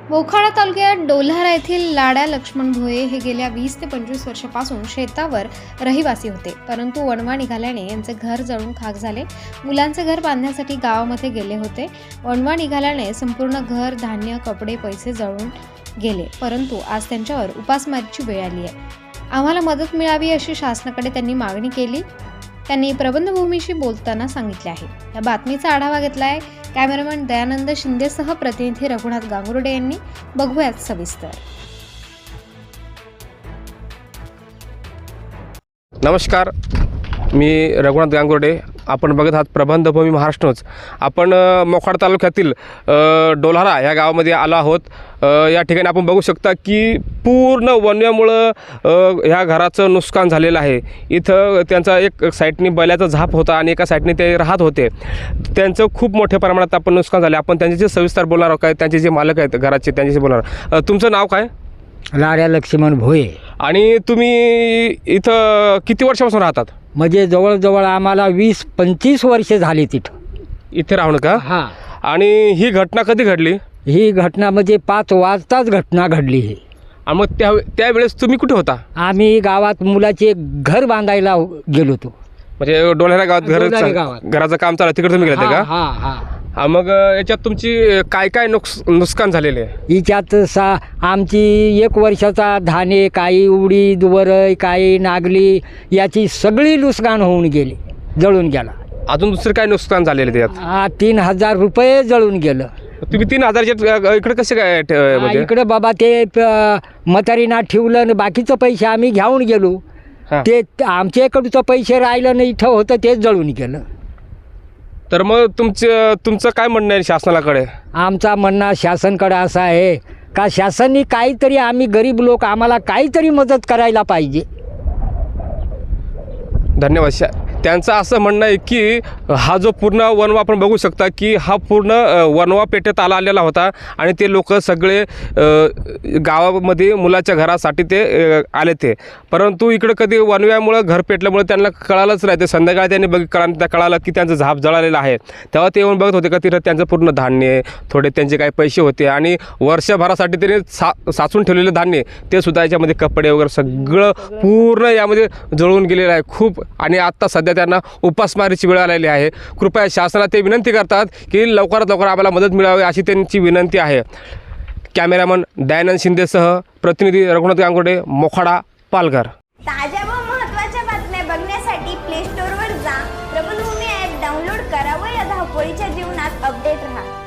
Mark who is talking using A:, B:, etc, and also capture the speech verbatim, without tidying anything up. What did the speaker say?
A: मोखाडा तालुक्यात डोल्हारा येथील लाड्या लक्ष्मण भोये हे गेल्या वीस ते पंचवीस वर्षापासून शेतावर रहिवासी होते, परंतु वणवा निघाल्याने यांचे घर जळून खाक झाले। मुलांचे घर बांधण्यासाठी गावामध्ये गेले होते। वणवा निघाल्याने संपूर्ण घर, धान्य, कपडे, पैसे जळून गेले, परंतु आज त्यांच्यावर उपासमारीची वेळ आली आहे। आम्हाला मदत मिळावी अशी शासनाकडे त्यांनी मागणी केली। त्यांनी प्रबंधभूमीशी बोलताना सांगितले आहे। या बातमीचा आढावा घेतलाय कॅमेरामॅन दयानंद शिंदेसह प्रतिनिधी रघुनाथ गांगुर्डे यांनी। बघूयात सविस्तर।
B: नमस्कार, मी रघुनाथ गांगुर्डे। आपण बघत आहात प्रबंधभूमी महाराष्ट्र न्यूज। आपण मोखाडा तालुक्यातील डोल्हारा या गावामध्ये आलो आहोत। या ठिकाणी आपण बघू शकता की पूर्ण वन्यामुळं ह्या घराचं नुकसान झालेलं आहे। इथं त्यांचा एक साईडनी बैलाचा झाप होता आणि एका साईडने ते राहत होते। त्यांचं खूप मोठ्या प्रमाणात आपण नुकसान झाले। आपण त्यांच्याशी सविस्तर बोलणार आहोत, काय त्यांचे जे मालक आहेत घराचे त्यांच्याशी बोलणार आहोत। तुमचं नाव काय?
C: लाड्या लक्ष्मण भोये।
B: आणि तुम्ही इथं किती वर्षापासून राहतात?
C: म्हणजे जवळजवळ आम्हाला वीस पंचवीस वर्षे झाली तिथं
B: इथे राहणं का?
C: हां।
B: आणि ही घटना कधी घडली?
C: ही घटना म्हणजे पाच वाजताच घटना घडली ही।
B: आणि मग त्या त्यावेळेस तुम्ही कुठे होता?
C: आम्ही गावात मुलाचे घर बांधायला गेलो होतो।
B: म्हणजे डोल्हारा गावात
C: डोल्हारा
B: घर
C: गावात.
B: घराचं काम चालू तिकडे तुम्ही गेले का?
C: हां हां।
B: हा, मग याच्यात तुमची काय काय नुकस नुकसान झालेले आहे?
C: हिच्यात सा आमची एक वर्षाचा धाने, काही उडीद, वरई, काही नागली याची सगळी नुकसान होऊन गेली, जळून गेला।
B: अजून दुसरं काय नुकसान झालेलं त्यात?
C: हा, तीन हजार रुपये जळून गेलं।
B: तुम्ही तीन हजारच्या इकडे कसे काय ठ-
C: हा,
B: म्हणजे
C: इकडे बाबा ते प- म्हातारीना ठेवलं आणि बाकीचं पैसे आम्ही घेऊन गेलो।
B: हा.
C: ते आमच्या इकडचं पैसे राहिलं नाही, इथं होतं तेच जळून गेलं।
B: तर मग तुमचं तुमचं काय म्हणणं आहे शासनाकडे?
C: आमचा म्हणणं शासनकडे असं आहे का शासनाने काहीतरी, आम्ही गरीब लोक, आम्हाला काहीतरी मदत करायला पाहिजे।
B: धन्यवाद। शा त्यांचं असं म्हणणं आहे की हा जो पूर्ण वनवा आपण बघू शकता की हा पूर्ण वनवा पेठेत आला आलेला होता आणि ते लोक सगळे गावामध्ये मुलाच्या घरासाठी ते आले ते, परंतु इकडं कधी वनव्यामुळं घर पेटल्यामुळे त्यांना कळालंच नाही। ते संध्याकाळी त्यांनी बघ कळा त्या कळालं की त्यांचं झाप जळालेलं आहे। तेव्हा ते येऊन बघत होते का तिथं त्यांचं पूर्ण धान्य, थोडे त्यांचे काही पैसे होते आणि वर्षभरासाठी त्यांनी सा साचून ठेवलेलं धान्य ते सुद्धा याच्यामध्ये कपडे वगैरे सगळं पूर्ण यामध्ये जळून गेलेलं आहे खूप। आणि आत्ता सध्या त्यांना उपासमारीची वेळ आलेली आहे। कृपया शासनाला ते विनंती करतात की लवकरात लवकर आम्हाला मदत मिळावी अशी त्यांची विनंती आहे। कॅमेरामन दयानंद शिंदेसह प्रतिनिधी रघुनाथ गांगुर्डे, मोखाडा, पालघर।
D: ताज्या व महत्त्वाच्या बातम्या बघण्यासाठी प्ले स्टोअरवर जा, प्रबंधभूमी ॲप डाउनलोड करा व या धावपळीच्या जीवनात अपडेट राहा।